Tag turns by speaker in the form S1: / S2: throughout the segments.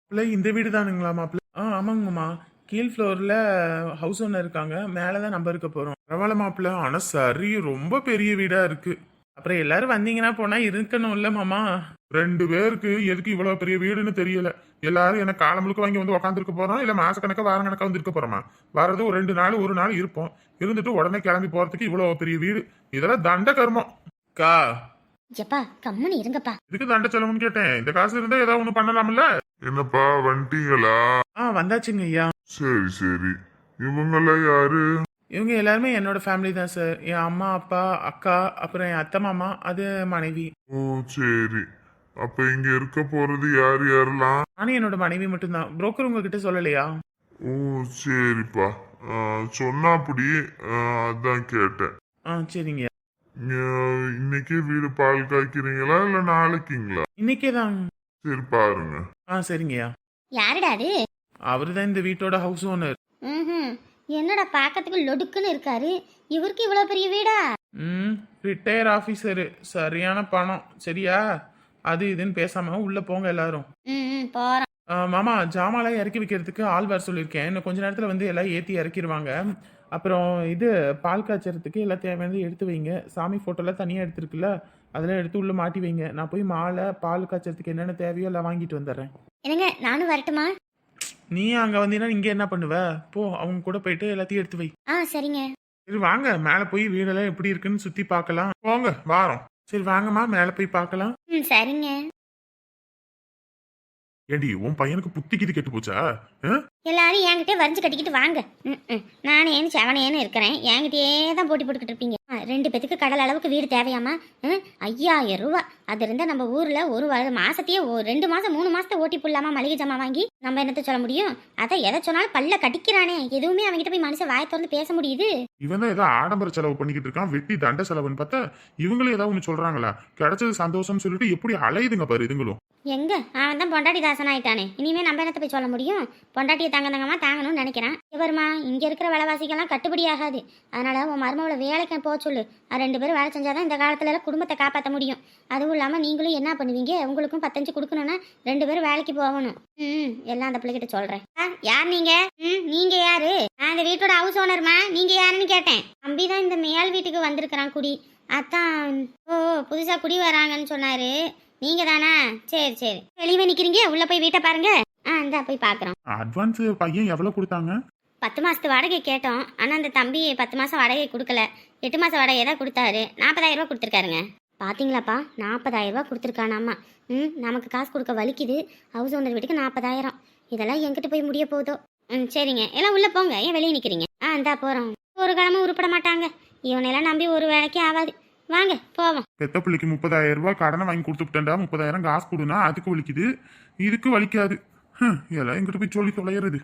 S1: மாப்பிள்ள இந்த வீடு தானுங்களா மாப்பிள்ள? ஆமாங்கம்மா. கீழ் ஃப்ளோர்ல ஹவுஸ் ஓனர் இருக்காங்க, மேலதான் நம்ம இருக்க போறோம். பரவாயில்ல மாப்பிள்ள, ஆனா சரி ரொம்ப பெரிய வீடா இருக்கு. அப்புறம் எல்லாரும் வந்தீங்கன்னா போனா இருக்கணும்ல மாமா. 2 பேருக்கு எதுக்கு இவ்வளவு பெரிய வீடுன்னு தெரியல. எல்லாரும் என்ன காலம் முழுக்க வாங்கி வந்து உக்காந்துருக்க போறோம், இல்ல மாசக்கணக்கா வாரம் கணக்கா வந்து இருக்க போறோமா? வர்றது ஒரு 2 நாள் 1 நாள் இருப்போம். இருந்துட்டு உடனே கிளம்பி போறதுக்கு இவ்வளவு பெரிய வீடு, இதெல்லாம் தண்ட கர்மம். கா
S2: எப்பா கம்முன்னு இருங்கப்பா.
S1: இதுக்கு தண்ட செலவுன்னு கேட்டேன். இந்த காசு இருந்தா ஏதாவது ஒண்ணு பண்ணலாம்ல.
S3: என்னப்பா வந்துட்டீங்களா?
S1: வந்தாச்சுங்க ஐயா.
S3: சரி சரி. இவங்கெல்லாம் யாரு?
S1: இவங்க எல்லாருமே என்னோட ஃபேமிலி தான் சார். என் அம்மா அப்பா அக்கா அப்புறம் என் அத்தை மாமா அது மனைவி.
S3: ஓ சரி. அப்ப இங்க இருக்க போறது யார் யாரெல்லாம்?
S1: நானும் என்னோட மனைவி மட்டும்தான். புரோக்கர் உங்ககிட்ட சொல்லலையா?
S3: ஓ சரிப்பா. சொன்னா அப்படி அதான் கேட்டேன்.
S1: சரிங்க.
S3: இன்னைக்கே வீடு பால் காய்க்கிறீங்களா இல்ல நாளைக்குங்களா?
S1: இன்னைக்கே தான்.
S3: சரி பாருங்க.
S1: சரிங்கய்யா.
S2: யாருடா அது?
S1: அவரு தான் இந்த வீட்டோட ஹவுஸ் ஓனர்.
S2: ம். என்னடா பார்க்கறதுக்கு லொடுக்குன்னு இருக்காரு. இவருக்கு இவ்வளவு பெரிய வீடா?
S1: ரிட்டையர் ஆபீசரு. சரியான பணம். சரியா? அது இதுன்னு பேசாம உள்ள போங்க எல்லாரும்.
S2: ம் போறோம்.
S1: மாமா, ஜாமான்லாம் இறக்கி வைக்கிறதுக்கு ஆள் வர சொல்லியிருக்கேன். இன்னும் கொஞ்ச நேரத்தில் வந்து எல்லாம் ஏற்றி இறக்கிடுவாங்க. அப்புறம் இது பால் காய்ச்சறதுக்கு எல்லாம் தேவையானது எடுத்து வைங்க. சாமி ஃபோட்டோலாம் தனியாக எடுத்துருக்குல்ல, அதெல்லாம் எடுத்து உள்ளே மாட்டி வைங்க. நான் போய் மாலை பால் காய்ச்சறதுக்கு என்னென்ன தேவையோ எல்லாம் வாங்கிட்டு வந்துடுறேன்.
S2: என்னங்க நானும் வரட்டுமா?
S1: நீ அங்கே வந்தீங்கன்னா இங்கே என்ன பண்ணுவ? போ, அவங்க கூட போயிட்டு எல்லாத்தையும் எடுத்து வை.
S2: சரிங்க.
S1: சரி வாங்க, மேலே போய் வீடெல்லாம் எப்படி இருக்குன்னு சுற்றி பார்க்கலாம். போங்க வாரோம். சரி வாங்கம்மா, மேலே போய் பார்க்கலாம்.
S2: சரிங்க.
S1: ஏடி, உன் பையனுக்கு புத்திக்கிது கெட்டு போச்சா?
S2: எல்லாரும் என்கிட்ட வரைஞ்சு கட்டிக்கிட்டு வாங்க. நானேன்னு செவனேன்னு இருக்கிறேன், என்கிட்டயே தான் போட்டி போட்டுக்கிட்டு இருப்பீங்க. 2 பேத்துக்கு கடல் அளவுக்கு வீடு தேவையாமா? 5000 ரூபா. அது இருந்தா நம்ம ஊர்ல ஒரு மாசத்தையே 2 மாசம் 3 மாசத்தை ஓட்டி போடலாமா மளிகை ஜாமா வாங்கி? நம்ம என்னத்த சொல்ல முடியும்? அதை எதை சொன்னாலும் பல்ல கடிக்கிறானே. எதுவுமே அவங்ககிட்ட போய் மனுஷன் வாயை திறந்து பேச முடியுது?
S1: இவன் தான் ஏதோ ஆடம்பர செலவு பண்ணிக்கிட்டு இருக்கான், வெட்டி தண்ட செலவுன்னு பார்த்தா இவங்களும் ஏதாவது ஒண்ணு சொல்றாங்களா? கிடைச்சது சந்தோஷம் சொல்லிட்டு எப்படி அலையுதுங்க பாரு இதுங்களும்.
S2: எங்க அவன் தான் பொண்டாட்டி தாசன் ஆயிட்டானே. இனிமே நம்ம என்னத்த போய் சொல்ல முடியும்? பொண்டாட்டியை தங்கமா தாங்கணும்னு நினைக்கிறான். வருமா, இங்க இருக்கிற விலைவாசிக்கெல்லாம் கட்டுப்படி ஆகாது. அதனால உன் மருமகளை வேலைக்கு போக சொல்லு. 2 பேரும் வேலை செஞ்சாதான் இந்த காலத்துல எல்லாம் குடும்பத்தை காப்பாற்ற முடியும். அதுவும் இல்லாம நீங்களும் என்ன பண்ணுவீங்க? உங்களுக்கும் 10 கொடுக்கணும்னா 2 பேரும் வேலைக்கு போகணும். எல்லாம் அந்த பிள்ளைகிட்ட சொல்றேன். யார் நீங்க? நீங்க யாரு? நான் இந்த வீட்டோட ஹவுஸ் ஓனர்மா. நீங்க யாருன்னு கேட்டேன். தம்பிதான் இந்த மேல் வீட்டுக்கு வந்திருக்கிறான் குடி. அதான். ஓ, புதுசா குடி வராங்கன்னு சொன்னாரு. நீங்க தானா? சரி சரி. வெளியே நிக்கிறீங்க, உள்ள போய் வீட்டை பாருங்க. இந்தா போய் பாக்குறோம்.
S1: அட்வான்ஸ் பையன் எவ்வளவு கொடுத்தாங்க?
S2: 10 மாசத்து வாடகை கேட்டோம். ஆனா அந்த தம்பி 10 மாசம் வாடகை கொடுக்கல. 8 மாசம் வாடகை தான் கொடுத்தாரு. 40,000 ரூபாய் கொடுத்துருக்காருங்க. பாத்தீங்களாப்பா, 40,000 ரூபாய் கொடுத்துருக்கானாமா. நமக்கு காசு கொடுக்க வலிக்குது. ஹவுஸ் ஓனர் வீட்டுக்கு 40,000. இதெல்லாம் எங்கிட்ட போய் முடிய போதோ. சரிங்க, எல்லாம் உள்ள போங்க. ஏன் வெளியே நிக்கிறீங்க? இந்தா போறோம். ஒரு கிழமை உருப்பட மாட்டாங்க. இவனெல்லாம் நம்பி ஒரு வேலைக்கு ஆகாது. வாங்க போவோம்.
S1: பெத்த பிள்ளைக்கு 30,000 ரூபாய் கடனை வாங்கி கொடுத்துட்டேன்டா. 30,000 காசு கொடுனா அதுக்கு வலிக்குது, இதுக்கு வலிக்காது. எல்லாம் எங்கிட்ட போய் சொல்லி தொலைகிறது.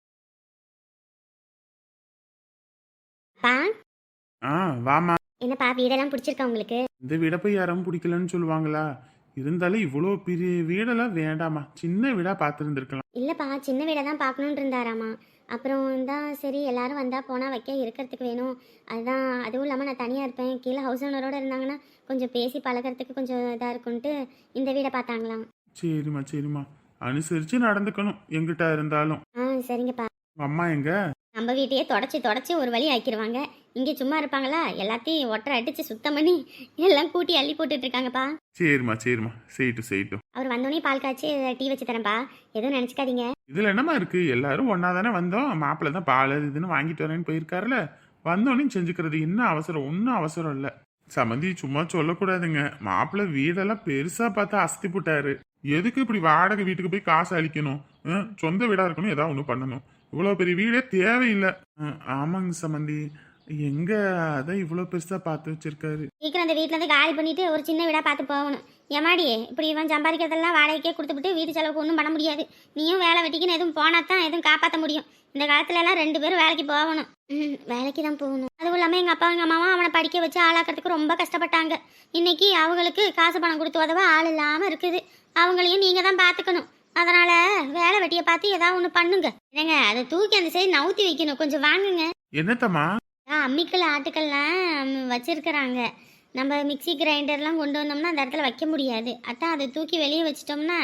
S1: வாமா.
S2: என்னப்பா வீடெல்லாம் பிடிச்சிருக்கா உங்களுக்கு?
S1: இந்த வீட போய் யாரும் பிடிக்கலன்னு சொல்லுவாங்களா? இருந்தாலும் இவ்வளோ பெரிய வீடெல்லாம் வேண்டாமா, சின்ன வீடா பார்த்துருந்துருக்கலாம்.
S2: இல்லப்பா, சின்ன வீடை தான் பார்க்கணுன்னு இருந்தாராமா. அப்புறம் தான் சரி எல்லாரும் வந்தால் போனால் வைக்க இருக்கிறதுக்கு வேணும். அதுதான். அதுவும் இல்லாமல் நான் தனியாக இருப்பேன். கீழே ஹவுஸ் ஓனரோடு இருந்தாங்கன்னா கொஞ்சம் பேசி பழகிறதுக்கு கொஞ்சம் இதாக இருக்குன்ட்டு இந்த வீடை பார்த்தாங்களாம்.
S1: சரிம்மா சரிம்மா, அனுசரித்து நடந்துக்கணும் எங்கிட்ட இருந்தாலும்.
S2: சரிங்கப்பா.
S1: அம்மா எங்க?
S2: நம்ம வீட்டையே தொடச்சி ஒரு வழி ஆக்கிடுவாங்க. இங்கே சும்மா இருப்பாங்களா? எல்லாத்தையும் ஒட்டரை அடித்து சுத்தம் பண்ணி எல்லாம் கூட்டி அள்ளி போட்டுட்டு இருக்காங்கப்பா.
S1: சரிம்மா சரிம்மா, செய்யட்டும்.
S2: அவர் வந்தோடனே பால் காய்ச்சி டீ வச்சு தரேன்ப்பா. எதுவும் நினச்சிக்காதீங்க.
S1: இதுல என்னமா இருக்கு? எல்லாரும் ஒன்னா தானே வந்தோம். மாப்பிள்ள தான் பால் இதுன்னு வாங்கிட்டு வரேன்னு போயிருக்காருல, வந்தோடனே செஞ்சுக்கிறது என்ன அவசரம்? ஒன்றும் அவசரம் இல்லை. சமந்தி சும்மா சொல்லக்கூடாதுங்க. மாப்பிள்ள வீடெல்லாம் பெருசா பார்த்து அசத்தி போட்டாரு. எதுக்கு இப்படி வாடகை வீட்டுக்கு போய் காசு அளிக்கணும்? சொந்த வீடா இருக்கணும், ஏதாவது ஒண்ணு பண்ணணும். இவ்வளவு பெரிய வீடே தேவையில்லை. ஆமாங்க சமந்தி, எங்க அதான் இவ்வளவு பெருசா பார்த்து வச்சிருக்காரு.
S2: சீக்கிரம் அந்த வீட்டுல இருந்து காலி பண்ணிட்டு ஒரு சின்ன வீடா பார்த்து போகணும். ஏமாடி, இப்படி இவன் சம்பாதிக்கிறதெல்லாம் வாடகைக்கே கொடுத்துட்டு வீட்டு செலவுக்கு ஒன்றும் பண்ண முடியாது. நீயும் வேலை வெட்டிக்குன்னு எதுவும் போனாதான் எதுவும் காப்பாற்ற முடியும். இந்த காலத்துல எல்லாம் 2 பேரும் வேலைக்கு போகணும். வேலைக்கு தான் போகணும். அதுவும் இல்லாம எங்க அப்பா எங்க அம்மாவும் அவனை படிக்க வச்சு ஆளாக்குறதுக்கு ரொம்ப கஷ்டப்பட்டாங்க. இன்னைக்கு அவங்களுக்கு காசு பணம் கொடுத்து உதவ ஆள் இல்லாம இருக்குது. அவங்களையும் நீங்க தான் பாத்துக்கணும். அதனால வேலை வெட்டியை பார்த்து ஏதாவது ஒன்று பண்ணுங்க. என்னங்க, அதை தூக்கி அந்த சைடு நவுத்தி வைக்கணும். கொஞ்சம் வாங்குங்க.
S1: என்னத்தம்மா?
S2: அம்மிக்கல் ஆட்டுக்கள்லாம் வச்சிருக்கிறாங்க. நம்ம மிக்சி கிரைண்டர்லாம் கொண்டு வந்தோம்னா அந்த இடத்துல வைக்க முடியாது. அதான் அதை தூக்கி வெளியே வச்சிட்டோம்னா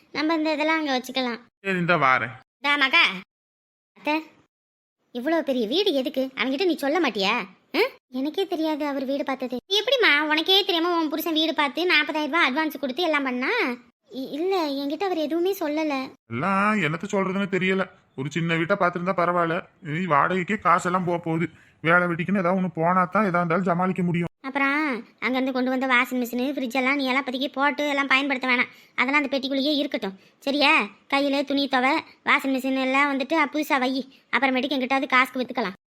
S2: நம்ம இந்த இதெல்லாம் அங்கே வச்சுக்கலாம்.
S1: சரி இந்த வாரேன்.
S2: மகா அத்தை, இவ்வளோ பெரிய வீடு எதுக்கு அவன்கிட்ட நீ சொல்ல மாட்டியா? எனக்கே தெரியாது அவர் வீடு பார்த்தது. எப்படிம்மா உனக்கே தெரியாம உன் புருஷன் வீடு பார்த்து 40,000 ரூபாய் அட்வான்ஸ் கொடுத்து எல்லாம் பண்ணா? இல்லை என்கிட்ட அவர் எதுவுமே சொல்லலை.
S1: எல்லாம் என்னத்த சொல்றதுன்னு தெரியல. ஒரு சின்ன வீட்டை பார்த்துருந்தா பரவாயில்ல. நீ வாடகைக்கே காசெல்லாம் போகுது. வேலை வெட்டிக்குன்னு ஏதாவது ஒன்று போனா தான் எதா இருந்தாலும் சமாளிக்க முடியும்.
S2: அப்புறம் அங்கேருந்து கொண்டு வந்த வாஷிங் மிஷினு ஃப்ரிட்ஜ் எல்லாம் நீ எல்லாம் பற்றிக்கி போட்டு எல்லாம் பயன்படுத்த வேணாம். அதெல்லாம் அந்த பெட்டிக்குள்ளேயே இருக்கட்டும் சரியா? கையில் துணி துவை வாஷிங் மிஷின் எல்லாம் வந்துட்டு புதுசாக வை. அப்புறமேட்டுக்கு எங்கிட்டாவது காசுக்கு விற்றுக்கலாம்.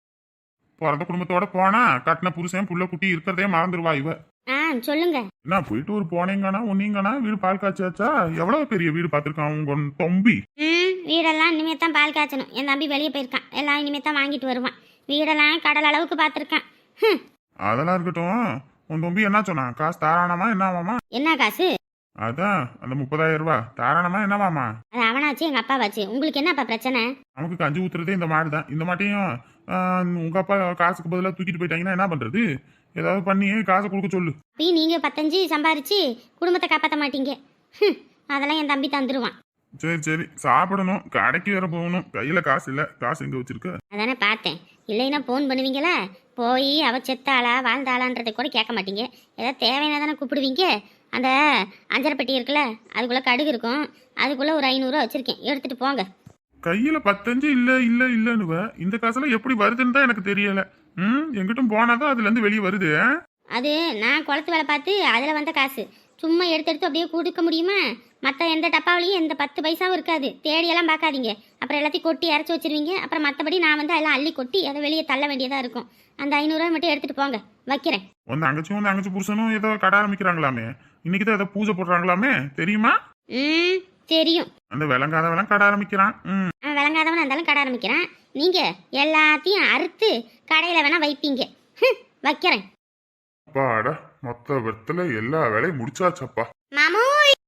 S1: பிறந்த குடும்பத்தோட போனா கட்டின புருஷன் புள்ள குட்டி இருக்கிறதே மறந்துடுவா இவ.
S2: சொல்லுங்க.
S1: என்ன போயிட்டு ஒரு போனீங்கன்னா ஒன்னீங்கன்னா வீடு பால் காய்ச்சாச்சா? எவ்வளவு பெரிய வீடு பார்த்துருக்கான் உங்க தம்பி.
S2: வீடெல்லாம் இனிமே தான் பால் காய்ச்சணும். என் தம்பி வெளியே போயிருக்கான். எல்லாம் இனிமே தான் வாங்கிட்டு வருவான். வீடெல்லாம் கடல் அளவுக்கு பார்த்துருக்கான்.
S1: அதெல்லாம் இருக்கட்டும். உன் தம்பி என்ன சொன்னா? காசு தாராளமா என்னவாமா?
S2: என்ன காசு?
S1: அதான் அந்த 30,000 ரூபாய் தாராளமா என்னவாமா?
S2: அது அவனாச்சு எங்க அப்பாவாச்சு. உங்களுக்கு என்னப்பா பிரச்சனை?
S1: நமக்கு கஞ்சி ஊத்துறதே இந்த மாடு தான். இந்த மாட்டையும் உங்க அப்பா காசுக்கு பதிலாக தூக்கிட்டு போயிட்டாங்கன்னா என்ன பண்றது? ஏதாவது பண்ணி காசை கொடுக்க சொல்லு.
S2: அப்படி நீங்க 15 சம்பாரிச்சு குடும்பத்தை காப்பாற்ற மாட்டீங்க. அதெல்லாம் என் தம்பி தந்துருவான்.
S1: சரி சரி சாப்பிடணும். கடைக்கு வேற போகணும். கையில காசு இல்ல. காசு எங்க வச்சிருக்க?
S2: அதானே பார்த்தேன். இல்லைன்னா போன் பண்ணுவீங்களா? போய் அவ செத்தாளா வாழ்ந்தாளான்றதை கூட கேட்க மாட்டீங்க. ஏதாவது தேவையான தானே கூப்பிடுவீங்க. அந்த அஞ்சரை பெட்டி இருக்குல்ல, அதுக்குள்ள கடுகு இருக்கும். அதுக்குள்ள ஒரு 500 ரூபா வச்சிருக்கேன், எடுத்துட்டு போங்க.
S1: கையில 15 இல்ல இல்ல இல்லன்னுவ. இந்த காசுல எப்படி வருதுன்னு தான் எனக்கு தெரியல. எங்கிட்டும் போனாதான் அதுல இருந்து வெளியே வருது.
S2: அது நான் குளத்து வேலை பார்த்து அதுல வந்த காசு. சும்மா எடுத்து எடுத்து அப்படியே கொடுக்க முடியுமா? மற்ற எந்த டப்பாவிலையும் எந்த 10 பைசாவும் இருக்காது. தேடியெல்லாம் பார்க்காதீங்க. அப்புறம் எல்லாத்தையும் கொட்டி இறச்சி வச்சிருவீங்க. அப்புறம் மற்றபடி நான் வந்து எல்லாம் அள்ளி கொட்டி அதை வெளியே தள்ள வேண்டியதா இருக்கும். அந்த 500 ரூபாய் மட்டும் எடுத்துட்டு போங்க, வைக்கிறேன்.
S1: உன் தங்கச்சி புருஷனும் ஏதோ கடை ஆரம்பிக்கிறாங்களாமே. இன்னைக்கு தான் ஏதோ பூஜை போடுறாங்களாமே, தெரியுமா?
S2: தெரியும்.
S1: அந்த விளங்காதவெல்லாம் கடை ஆரம்பிக்கிறான்.
S2: விளங்காதவன் இருந்தாலும் கடை ஆரம்பிக்கிறான். நீங்க எல்லாத்தையும் அறுத்து கடையில வேணா வைப்பீங்க. வைக்கிறேன்.
S3: அப்பாடா மொத்த வெத்துல எல்லா வேலையும் முடிச்சாச்சப்பா.
S2: மாமு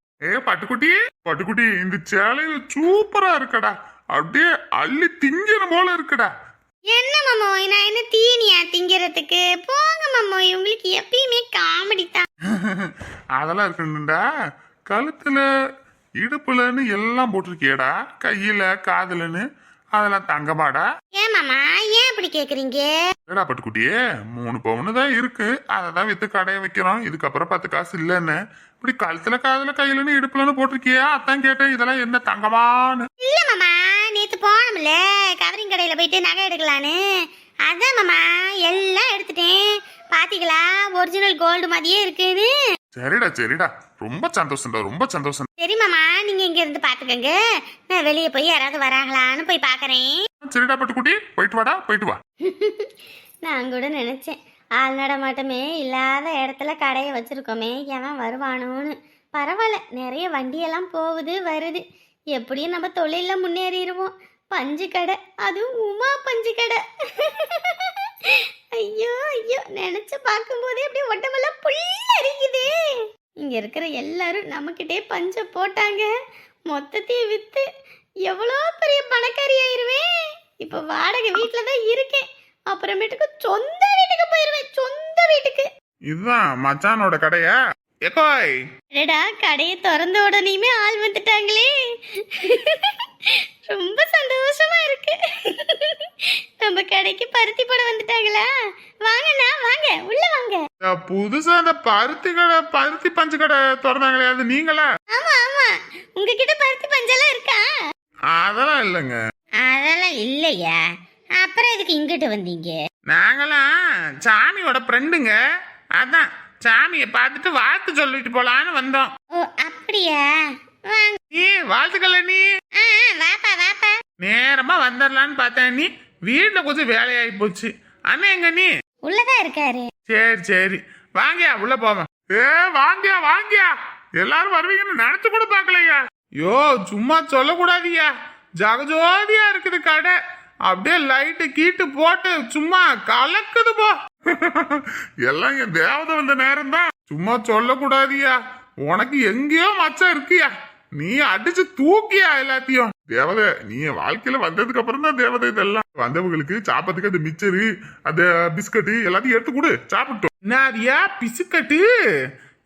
S3: பட்டுக்குட்டி இந்த சேலையில சூப்பரா இருக்கடா. அப்படியே அள்ளி திங்கிற போல இருக்குடா.
S2: என்ன மாமோய், நான் என்ன தீனியா திங்கிறதுக்கு? போங்க மாமோய், உங்களுக்கு எப்பயுமே காமெடி தான்.
S3: அதெல்லாம் இருக்கணும்டா. கழுத்துல இடுப்புலன்னு எல்லாம் போட்டிருக்கியடா. கையில காதுலன்னு அதெல்லாம் தங்கமாடா.
S2: ஏன் மாமா ஏன் இப்படி கேக்குறீங்க?
S3: ஏடா பட்டுக்குட்டியே 3 பவுனு தான் இருக்கு. அதை தான் வித்து கடையை வைக்கிறோம். இதுக்கப்புறம் 10 காசு இல்லைன்னு இப்படி கழுத்துல காதுல கையிலன்னு இடுப்புலன்னு போட்டிருக்கியா? அதான் கேட்டேன். இதெல்லாம் என்ன தங்கமானு?
S2: இல்ல மாமா, நேத்து போனோம்ல கவரிங் கடையில போயிட்டு நகை எடுக்கலான்னு. அதான் மாமா எல்லாம் எடுத்துட்டேன். பாத்தீங்களா ஒரிஜினல் கோல்டு மாதிரியே இருக்குன்னு.
S3: சரிடா ரொம்ப சந்தோஷம்டா, ரொம்ப சந்தோஷம்.
S2: சரி மாமா, நீங்க இங்க இருந்து பாத்துக்கங்க. நான் வெளியே போய் யாராவது வராங்களான்னு போய் பாக்குறேன்.
S3: சரிடா பட்டுக்குட்டி, போயிட்டு வா.
S2: நான் கூட நினைச்சேன் ஆள் நடமாட்டமே இல்லாத இடத்துல கடையை வச்சிருக்கோமே, எவன் வருவானோன்னு. பரவாயில்ல, நிறைய வண்டியெல்லாம் போகுது வருது. எப்படியும் நம்ம தொழில முன்னேறிடுவோம். பஞ்சு கடை, அதுவும் உமா பஞ்சு கடை. ஐயோ ஐயோ, நினைச்சு பார்க்கும்போதே அப்படியே உடம்பெல்லாம் புல்லரிக்குதே. இங்க இருக்கிற எல்லாரும் நம்மக்கிட்டே பஞ்ச போட்டாங்க. மொத்தத்தையும் வித்து எவ்வளோ பெரிய பணக்காரி ஆயிருவேன். இப்ப வாடகை வீட்டுல தான் இருக்கேன். அப்புறமேட்டுக்கு சொந்த வீட்டுக்கு போயிருவேன். சொந்த வீட்டுக்கு.
S1: இதுதான் மச்சானோட கடையா? எக்கோய்
S2: அடடா, கடையை திறந்த உடனேயுமே ஆள் வந்துட்டாங்களே. ரொம்ப சந்தோஷமா இருக்கு. நம்ம கடைக்கு பருத்தி போட வந்துட்டாங்களா? வாங்கண்ணா வாங்க, உள்ள வாங்க.
S1: புதுசா அந்த பருத்தி பஞ்சு கடை திறந்தாங்களே, அது நீங்களா?
S2: ஆமா ஆமா, உங்ககிட்ட பருத்தி பஞ்செல்லாம் இருக்கா?
S1: அதெல்லாம் இல்லைங்க.
S2: அதெல்லாம் இல்லையா? அப்புறம் எதுக்கு இங்கிட்டு வந்தீங்க?
S1: நாங்களாம் சாமியோட ஃப்ரெண்டுங்க. அதான் சாமியை பார்த்துட்டு வாழ்த்து சொல்லிட்டு போலான்னு வந்தோம்.
S2: ஓ அப்படியா? வாங்க.
S1: நீ வாழ்த்துக்கல நீ.
S2: வாப்பா வாப்பா.
S1: நேரமா வந்துடலான்னு பார்த்தேன். நீ வீட்டுல கொஞ்சம் வேலையாகி போச்சு. அண்ணன் எங்க நீ?
S2: உள்ளதான் இருக்காரு.
S1: சரி வாங்கியா உள்ள போவோம். வாங்கியா எல்லாரும் வருவீங்கன்னு நினைச்சு கூட பாக்கலையா? யோ சும்மா சொல்லக்கூடாதியா. ஜகஜோதியா இருக்குது கடை. அப்படியே லைட்டு கீட்டு போட்டு சும்மா கலக்குது போ.
S3: எல்லாம் என் தேவதை வந்த நேரம் தான்.
S1: சும்மா சொல்லக்கூடாதியா. உனக்கு எங்கேயோ மச்சம் இருக்கியா. நீ அடிச்சு தூக்கியா எல்லாத்தையும்.
S3: தேவதை நீ என் வாழ்க்கையில வந்ததுக்கு அப்புறம் தான் தேவதை. இதெல்லாம் வந்தவங்களுக்கு சாப்பிட்றதுக்கு அந்த மிச்சரு அந்த பிஸ்கட்டு எல்லாத்தையும் எடுத்து கொடு, சாப்பிட்டோம்.
S1: என்னதியா பிசுக்கட்டு?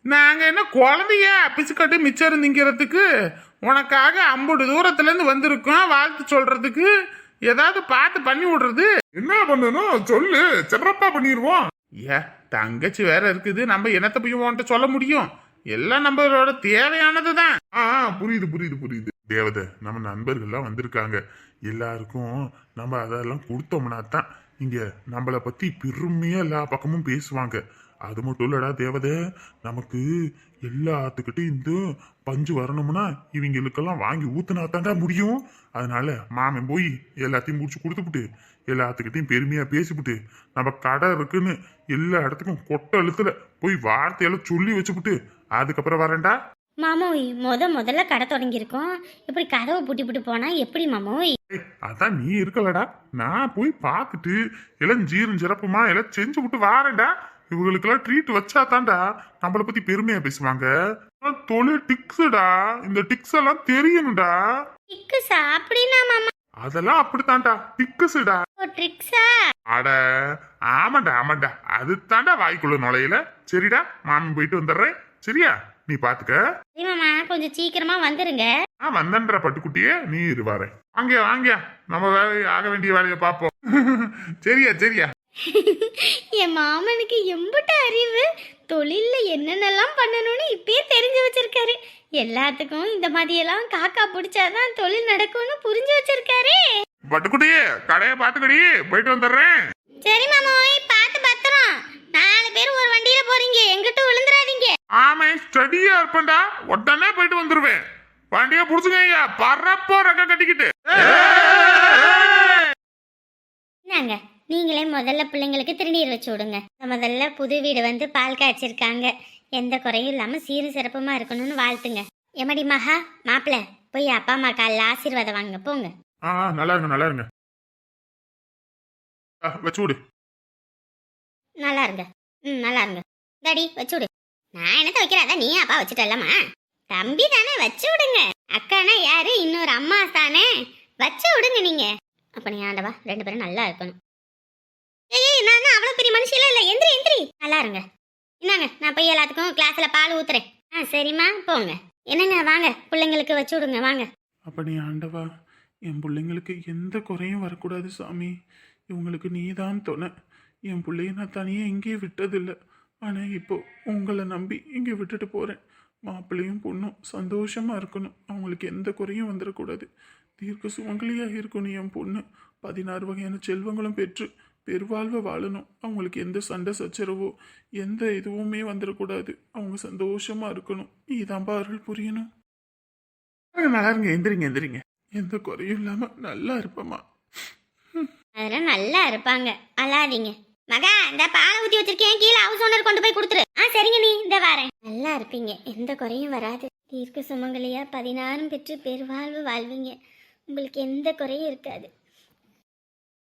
S1: நாங்க என்ன குழந்தைய பிச்சுக்கட்டு மிச்சம் திங்கிறதுக்கு உனக்காக 50 தூரத்துல இருந்து வந்திருக்கோம் வாழ்த்து சொல்றதுக்கு ஏதாவது பார்த்து பண்ணி விடுறது.
S3: என்ன பண்ணணும் சொல்லு, சிறப்பா பண்ணிடுவோம்.
S1: ஏ தங்கச்சி வேற இருக்குது, நம்ம என்னத்த போய் உன்கிட்ட சொல்ல முடியும்? எல்லாம் நம்மளோட தேவையானதுதான்.
S3: புரியுது புரியுது புரியுது. தேவதை நம்ம நண்பர்கள்லாம் வந்திருக்காங்க, எல்லாருக்கும் நம்ம அதெல்லாம் கொடுத்தோம்னா தான் இங்க நம்மளை பத்தி பெருமையா எல்லா பக்கமும் பேசுவாங்க. அது மட்டும் இல்லடா தேவதை, நமக்கு எல்லாத்துக்கிட்டையும் இந்த பஞ்சு வரணும்னா இவங்களுக்கெல்லாம் வாங்கி ஊத்துனா தாண்டா முடியும். அதனால மாமன் போய் எல்லாத்தையும் முடிச்சு கொடுத்துப்புட்டு எல்லாத்துக்கிட்டையும் பெருமையா பேசிவிட்டு நம்ம கடை இருக்குன்னு எல்லா இடத்துக்கும் கொட்ட அழுத்துல போய் வார்த்தையெல்லாம் சொல்லி வச்சுப்புட்டு அதுக்கப்புறம் வரேன்டா.
S2: மாமோய் முதல்ல கடை தொடங்கியிருக்கோம், இப்படி கதவை பூட்டி போனா எப்படி மாமோய்?
S3: அதான் நீ இருக்கலடா, நான் போய் பார்த்துட்டு எல்லாம் ஜீரும் சிறப்புமா எல்லாம் செஞ்சு விட்டு வாரேன்டா. இவங்களுக்கெல்லாம் ட்ரீட் வச்சா தான்டா நம்மளை பத்தி பெருமையா பேசுவாங்க. தொழில் டிக்ஸுடா, இந்த டிக்ஸ் எல்லாம் தெரியணும்டா.
S2: டிக்ஸா? அப்படின்னா மாமா
S3: அதெல்லாம் அப்படித்தான்டா டிக்ஸுடா.
S2: ட்ரிக்ஸா?
S3: அட ஆமாண்டா ஆமாண்டா, அது தாண்டா வாய்க்குள்ள நுழையில. சரிடா, மாமன் போயிட்டு வந்துடுறேன், சரியா? நீ பாத்துக்க.
S2: சரி மாமா, கொஞ்சம் சீக்கிரமா வந்துருங்க.
S3: வந்தன்ற பட்டுக்குட்டியே, நீ இரு வரேன். வாங்க வாங்க, நம்ம வேலையை ஆக வேண்டிய வேலையை பார்ப்போம். சரியா சரியா.
S2: என் மாமனுக்கு எம்புட்ட அறிவு, தொழில்ல என்னென்னலாம் பண்ணணும்னு இப்பயே தெரிஞ்சு வச்சிருக்காரு. எல்லாத்துக்கும் இந்த மாதிரியெல்லாம் காக்கா பிடிச்சாதான் தொழில் நடக்கும்னு புரிஞ்சு வச்சிருக்காரு.
S3: பட்டுக்குட்டியே, கடையை பாத்துக்கடி, போயிட்டு வந்துடுறேன்.
S2: சரி மாமோய், பார்த்து பத்திரம். 4 பேர் ஒரு வண்டியில போறீங்க, எங்கிட்ட விழுந்துடாதீங்க.
S3: ஆமா, ஸ்டடியா இருப்பேன்டா, உடனே போயிட்டு வந்துருவேன். வண்டியை புடிச்சுங்க, பறப்போ ரெக்க கட்டிக்கிட்டு.
S2: என்னங்க, நீங்களே முதல்ல பிள்ளைங்களுக்கு திருநீர் வச்சு விடுங்க. முதல்ல புது வீடு வந்து பால் காய்ச்சிருக்காங்க, எந்த குறையும் இல்லாம சீரும் சிறப்புமா இருக்கணும்னு வாழ்த்துங்க. எமடி மகா, மாப்பிள்ள போய் அப்பா அம்மா காலில் ஆசீர்வாதம் வாங்க போங்க.
S3: நல்லா இருங்க நல்லா இருங்க, வச்சு விடு.
S2: நல்லா இருங்க. நல்லா இருங்க. டாடி வச்சு விடு. நான் என்னத்த வைக்கிறதா, நீ அப்பா வச்சுட்டல்லம்மா. தம்பி தானே, வச்சு விடுங்க. அக்கானா யாரு, இன்னொரு அம்மா தானே, வச்சு விடுங்க நீங்க. அப்ப நீ ஆண்டவா 2 பேரும் நல்லா இருக்கணும். ஏய் நான் அவ்வளவு பெரிய மனுஷில இல்ல, எந்திரி எந்திரி. நல்லா இருங்க. என்னங்க, நான் போய் எல்லாத்துக்கும் கிளாஸ்ல பால் ஊத்துறேன். சரிம்மா போங்க. என்னங்க வாங்க, பிள்ளைங்களுக்கு வச்சு விடுங்க வாங்க.
S1: அப்ப நீ ஆண்டவா, என் பிள்ளைங்களுக்கு எந்த குறையும் வரக்கூடாது சாமி. இவங்களுக்கு நீதான் துணை. என் பிள்ளைய நான் தனியாக எங்கேயும் விட்டதில்லை. ஆனால் இப்போ உங்களை நம்பி இங்கே விட்டுட்டு போகிறேன். மாப்பிள்ளையும் பொண்ணும் சந்தோஷமாக இருக்கணும், அவங்களுக்கு எந்த குறையும் வந்துடக்கூடாது. தீர்க்க சுமங்கலியாக இருக்கணும் என் பொண்ணு. 16 வகையான செல்வங்களும் பெற்று பெருவாழ்வை வாழணும். அவங்களுக்கு எந்த சண்டை சச்சரவோ எந்த இதுவுமே வந்துடக்கூடாது. அவங்க சந்தோஷமாக இருக்கணும். இதான்பா அருள் புரியணும். நல்லா இருங்க, எந்திரிங்க எந்திரிங்க. எந்த குறையும் இல்லாமல் நல்லா இருப்பம்மா.
S2: அதெல்லாம் நல்லா இருப்பாங்க, அழாதீங்க. மகா, இந்த பாலை ஊற்றி வச்சிருக்கேன், கீழே ஹவுஸ் ஓனர் கொண்டு போய் கொடுத்துரு. சரிங்க நீ, இந்த வாரேன். நல்லா இருப்பீங்க, எந்த குறையும் வராது. தீர்க்க சுமங்கலியா 16 பெற்று பெருவாழ்வு வாழ்வீங்க. உங்களுக்கு எந்த குறையும் இருக்காது.